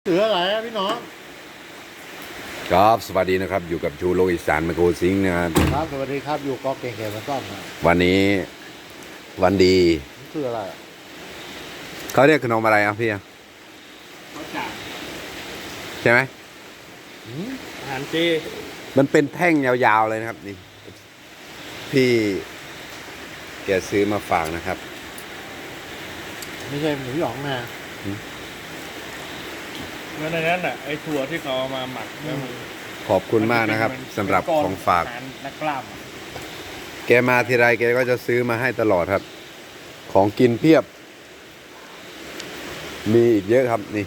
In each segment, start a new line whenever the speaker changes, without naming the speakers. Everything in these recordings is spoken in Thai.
เหลืออะไรอะพี่น้อง
ครับสวัสดีนะครับอยู่กับชูโลกอีสานไมโครซิงค์นะครับ
ครับสวัสดีครับอยู่กอเก่งแก่มาซ่อมนะ
วันนี้วันดี
นี่คืออะไรอะ
เขาเรียกขนมอะไรอ่ะพี่อ่ะ
เขาจับ
ใช่ไหม
อาหารเจ
มันเป็นแท่งยาวๆเลยนะครับนี่พี่แกซื้อมาฝากนะครับ
ไม่ใช่หมูหยองนะ
เมื่อในนั้นอ่ะไอ้ถั่วที่เขาเอามาหมักแล้วมัน
ขอบคุณมากนะครับสำหรับของฝาก
อหรนักกล้ามอะ
แกมาทีไรแกก็จะซื้อมาให้ตลอดครับ ของกินเพียบ มีอีกเยอะครับนี่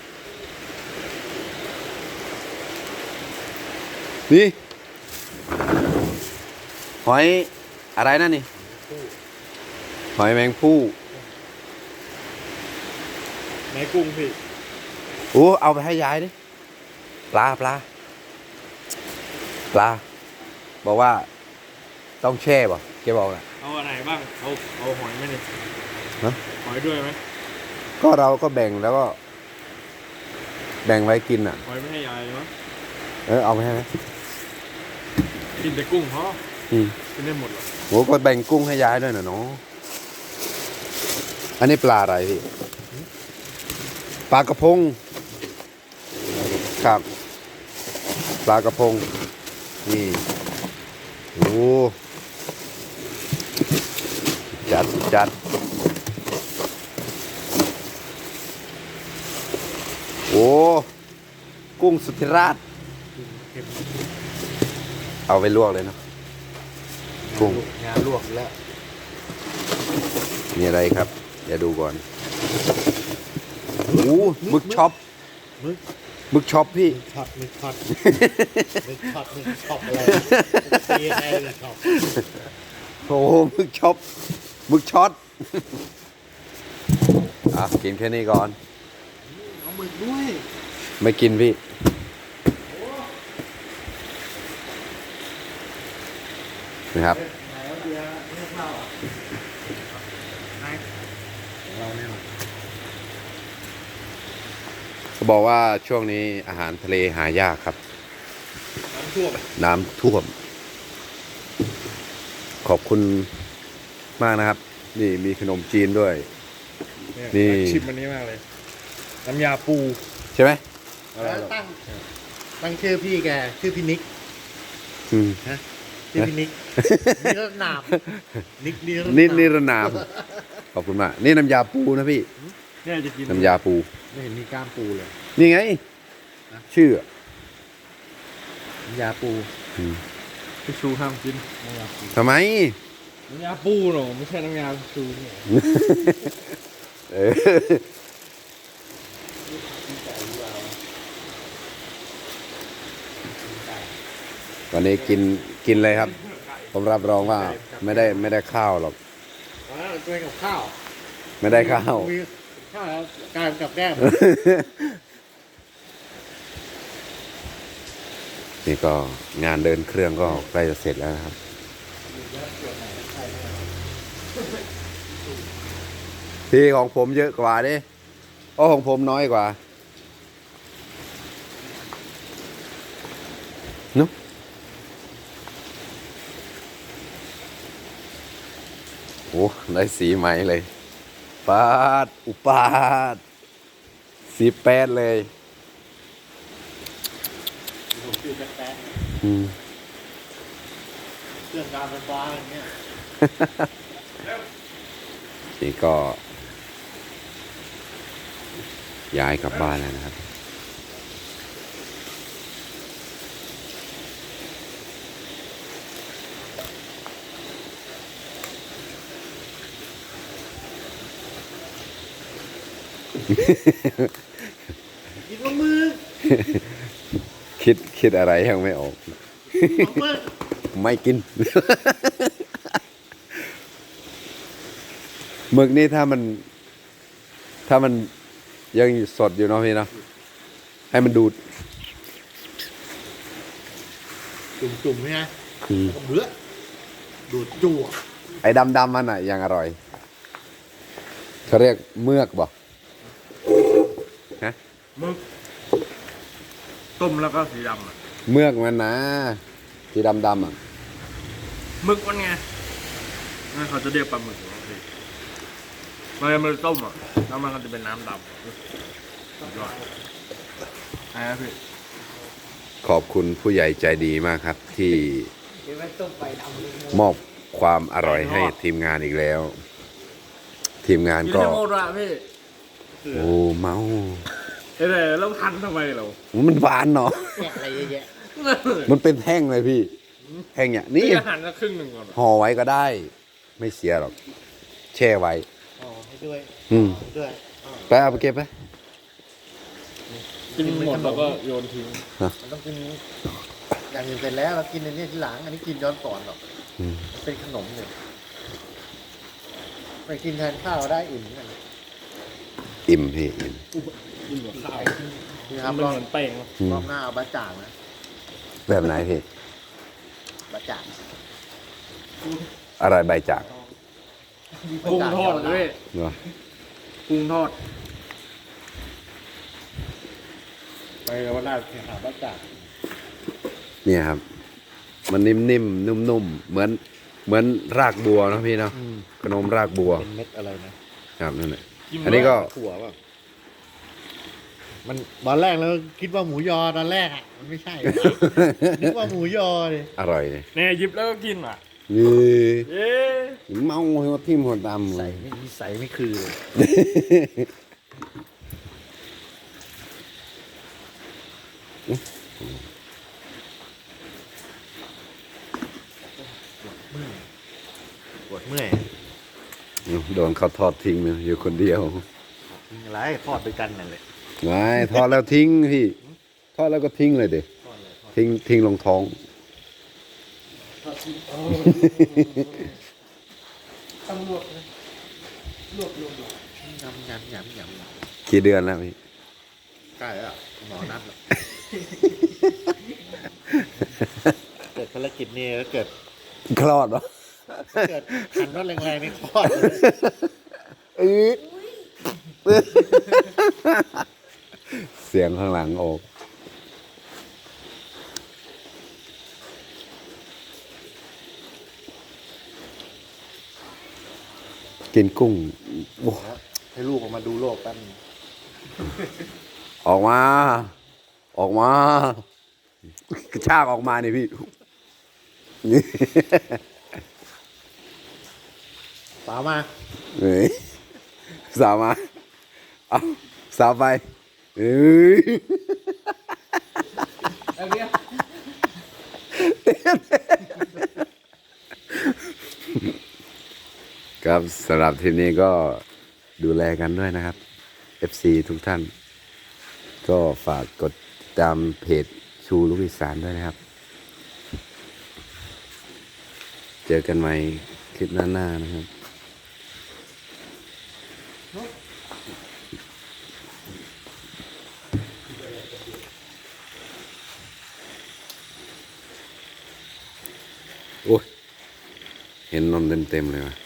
นี่หอยอะไรนั่นนี่หอยแมงภู่
ในกุ้งพี่
โอ้เอาไปให้ยายดิปลาบอกว่าต้องแช่ป่ะแกบอกนะ
เอาอะไรบ้างเอาหอยไหมเนี่ย
ฮะ
หอยด้วยไหม
ก็เราก็แบ่งแล้วก็ แบ่งไว้กินอ่ะ
หอยไม่ให้ยายมั้ง
เอาไปให้ไหม
กินแต่กุ้งเพราะ
อืม
กินได้หมดหรอ
โหก็แบ่งกุ้งให้ยายด้วยนะเนาะอันนี้ปลาอะไรพี่ปลากระพงครับปลากระพงนี่โอ้จัดโอ้กุ้งสุธิราชเอาไปลวกเลยเนาะกุ้ง
งานลวกแล้ว
มีอะไรครับเดี๋ยวดูก่อนโอ้หมึกช็อป
มึก
หมึกช็อปพี่
มึกช็อตมึกช็อปอะไรตีอะไรเลยช็อป
โอ้หมึกช็อปหมึกช็อตกินแค่นี้ก่อน
เอาหมึกด้วย
ไม่กินพี่นะครับ
ไหนเอาเบียร์ให้ข้าวอ่ะไหนของเราเนี่ย
เขาบอกว่าช่วงนี้อาหารทะเลหายากครับ
น้ำท่วม
น้ำท่วม ขอบคุณมากนะครับ นี่มีขนมจีนด้วย นี่
อยากชิมอันนี้มากเลยน้ำยาปู
ใช่ไหม
แล้วตั้งชื่อพี่แกชื่อพี่นิก
อืม
ชื่อพี่นิกนิรนามนิกนิร
นี่
นาม
นิรนาม ขอบคุณมาก นี่น้ำยาปูนะพี่
เนี่ยจะกิน
น้ำยาปู
ไม่เห็นมีกล้ามปูเลย
นี่ไง ชื่อ
น้ำยาปู
อืม
พี่ชูห้ามกิน
น้ำยาปู
ทำไม
น้ำยาปูหรอไม่ใช่น้ำยาชูเนี่ย
เออวันนี้กินเลยครับ ผมรับรองว่าไม่ได้ข้าวหรอก
ด้วยกับข้าว
ไม่ได้ข้าว
มีข้าวแล้วกลายเป็นกับแก้ม
นี่ก็งานเดินเครื่องก็ใกล้จะเสร็จแล้วนะครับ ที่ของผมเยอะกว่าดิของผมน้อยกว่านุ๊กโอ้ได้สีใหม่เลยปาดอุปาดสีแปดเลย
ผมคือแป๊ะ
อืม
เครื่องการไฟฟ้าอย่างเงี้ย
นี่ก็ย้ายกลับบ้านแล้วนะครับ
กินมะมือ
คิดอะไรยังไม่ออก
มะมือ
ไม่กิน หมึกนี่ถ้ามันยังสดอยู่เนาะพี่เนาะให้มันดูด
จุ่มๆใช่ไหมเบื้อดูดจั่ว
ไอ้ดำมันอ่ะยังอร่อยเขาเรียกเมือกบ่ฮะ
มึกต้มแล้วก็สีดำอ่ะ
เมือกมันนะสีดำอ่ะ
หมึกมันไงนั่นเขาจะเรียกปลาหมึกนะพี่มันต้มอ่ะแล้วมันก็จะเป็นน้ำดำสุดยอดนะพี่
ขอบคุณผู้ใหญ่ใจดีมากครับ ที่
เดี๋ยวไว้ต้มไปดำเลย
มอบความอร่อยให้ทีมงานอีกแล้ว ทีมงาน
กิน
ก็
ให้หมดอะพี่
โอ้เมา
เอ้ยแล้วทันทำไมเรา
มันหวานเนาะ
แกะอะไรเยอะแยะ
มันเป็นแท่งเลยพี่ แท่งเนี่ยนี่
นี่อาหารละครึ่งหนึ่งก่อน
ห่อไว้ก็ได้ ไม่เสียหรอก แช่ไว้
อ๋อให้ด้วย
อืม
ให้ด้วย
ไปเอาไปเก็บไป
กินหมดแล้วก็โยนทิ้ง
มันต้องกินอย่างอื่นเสร็จแล้วเรากินอันนี้ทีหลังอันนี้กินย้อนก่อนหรอก
อืม
มันเป็นขนมเนี่ยไปกินแทนข้าวได้อิ่มเหมือนกัน
อิ่มพี่อิ่ม
กินกับข้าว
นี่ครับ
มัน
รอบ
เหมือนแป้ง
อืม
รอบหน้าเอาบะจ่างนะ
แบบไหนพี่
บะจ่าง
อะไรใบจาก
กุ้งทอดด้วย
เนาะ
กุ้งทอดไปแล้วว่าน่าหาบ้าจ่าง
เนี่ยครับ มันนิ่มๆนุ่มๆเหมือนรากบัวเนอะพี่เนาะขนมรากบัว
เป็นเม็ดอะไรนะครับ
นั่นแหละอันนี้ก็
ถั่วป่ะมันตอนแรกเราคิดว่าหมูยอตอนแรกอ่ะมันไม่ใช่ นึกว่าหมูยอเลย
อร่อยเลย
เนี่ยหยิบแล้วก็กินอ่ะ
นี่
เอ๊ะ
เมาหัวทิ่มหัวดำ
ใส่ไม่มีใส่ไม่คือเลยปวดเมื่อย
โดนเขาทอดทิ้งเลยอยู่คนเดียว
กินอะไรทอดด้วยกันนั่นแหละ
ไม่ทอดแล้วทิ้งพี่ทอดแล้วก็ทิ้งเลยเด็ทิ้งลงท้อง
ต้องลวกนะลวก
ยำยำยำยำ
กี่เดือนแล้วพี่
ใกล้แล้วอะหมอนัดแล้วเกิดภารกิจนี้แล้วเกิด
คลอดวะ
เกิดหันรถแรงๆในคลอดเลย
เสียงข้างหลังออกกินกุ้งโอ้
ให้ลูกออกมาดูโลกแป๊บนึง
ออกมา ออกมา กระชากออกมานี่พี่
สาวมา
เฮ้ยสาวมา เอาสาวไปเฮ้ย
เอาเนี้ย
ครับสำหรับทีมนี้ก็ดูแลกันด้วยนะครับ FC ทุกท่าน ก็ฝากกดติดตามเพจชูลูกอีสานด้วยนะครับ เจอกันใหม่คลิปหน้าๆนะครับ โอ้ย เห็นนมเต็มๆเลยวะ